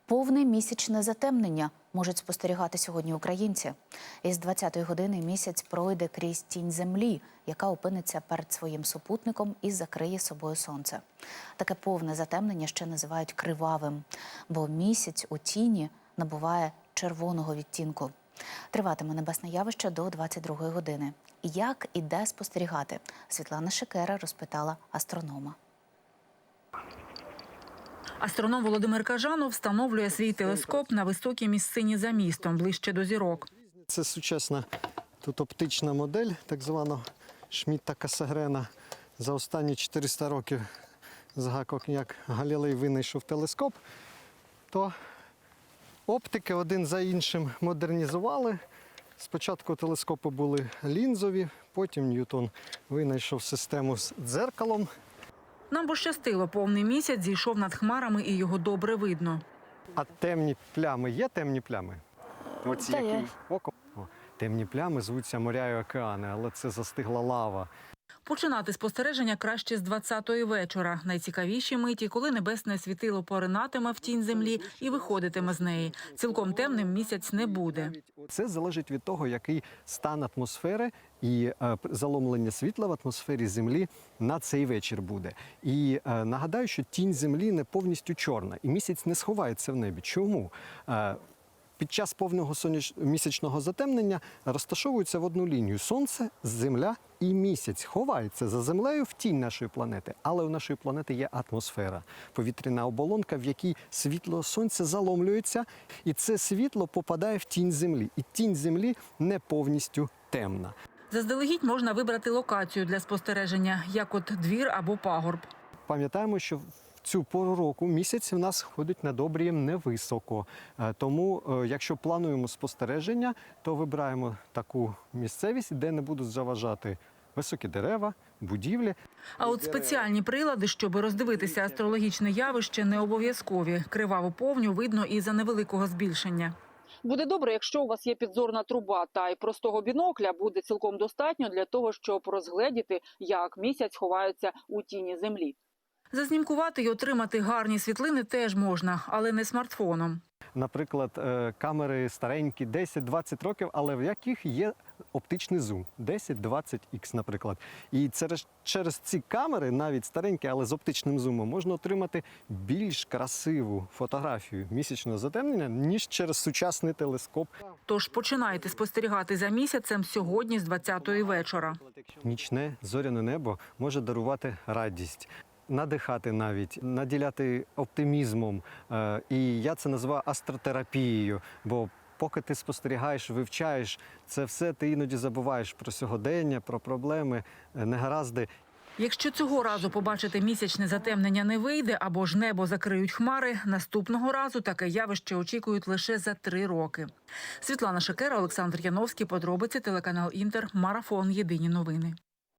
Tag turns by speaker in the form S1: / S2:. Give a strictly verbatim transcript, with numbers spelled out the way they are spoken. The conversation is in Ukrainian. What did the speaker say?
S1: Повне місячне затемнення можуть спостерігати сьогодні українці. Із двадцятої години місяць пройде крізь тінь землі, яка опиниться перед своїм супутником і закриє собою сонце. Таке повне затемнення ще називають кривавим, бо місяць у тіні набуває червоного відтінку. Триватиме небесне явище до двадцять другої години. Як і де спостерігати? Світлана Шикера розпитала астронома.
S2: Астроном Володимир Кажанов встановлює свій телескоп на високій місцині за містом, ближче до зірок.
S3: Це сучасна тут оптична модель, так звана Шмідта-Касагрена. За останні чотириста років, як Галілей винайшов телескоп, то оптики один за іншим модернізували. Спочатку телескопи були лінзові, потім Ньютон винайшов систему з дзеркалом.
S2: Нам пощастило, повний місяць зійшов над хмарами і його добре видно.
S3: А темні плями є темні плями? Оці які око. О, темні плями звуться моря і океани, але це застигла лава.
S2: Починати спостереження краще з двадцятої вечора. Найцікавіші миті, коли небесне світило поринатиме в тінь землі і виходитиме з неї. Цілком темним місяць не буде.
S3: Це залежить від того, який стан атмосфери і е, заломлення світла в атмосфері Землі на цей вечір буде. І е, нагадаю, що тінь Землі не повністю чорна, і місяць не сховається в небі. Чому? Е, Під час повного соняч... місячного затемнення розташовуються в одну лінію Сонце, Земля і місяць. Ховається за Землею в тінь нашої планети. Але у нашої планети є атмосфера, повітряна оболонка, в якій світло Сонця заломлюється, і це світло попадає в тінь Землі. І тінь Землі не повністю темна.
S2: Заздалегідь можна вибрати локацію для спостереження, як от двір або пагорб.
S3: Пам'ятаємо, що в цю пору року місяць у нас ходить над обрієм невисоко. Тому, якщо плануємо спостереження, то вибираємо таку місцевість, де не будуть заважати високі дерева, будівлі.
S2: А от спеціальні прилади, щоб роздивитися астрологічне явище, не обов'язкові. Криваву повню видно і за невеликого збільшення.
S4: Буде добре, якщо у вас є підзорна труба, та й простого бінокля буде цілком достатньо для того, щоб розгледіти, як місяць ховається у тіні землі.
S2: Зазнімкувати й отримати гарні світлини теж можна, але не смартфоном.
S3: Наприклад, камери старенькі, десять-двадцять років, але в яких є оптичний зум, десять-двадцять ікс, наприклад. І через, через ці камери, навіть старенькі, але з оптичним зумом, можна отримати більш красиву фотографію місячного затемнення, ніж через сучасний телескоп.
S2: Тож починайте спостерігати за місяцем сьогодні з двадцятої вечора.
S3: Нічне зоряне небо може дарувати радість, надихати навіть, наділяти оптимізмом. І я це називаю астротерапією, бо поки ти спостерігаєш, вивчаєш це все, ти іноді забуваєш про сьогодення, про проблеми, негаразди.
S2: Якщо цього разу побачити місячне затемнення не вийде або ж небо закриють хмари, наступного разу таке явище очікують лише за три роки. Світлана Шикера, Олександр Яновський, подробиці, телеканал Інтер, Марафон, Єдині новини.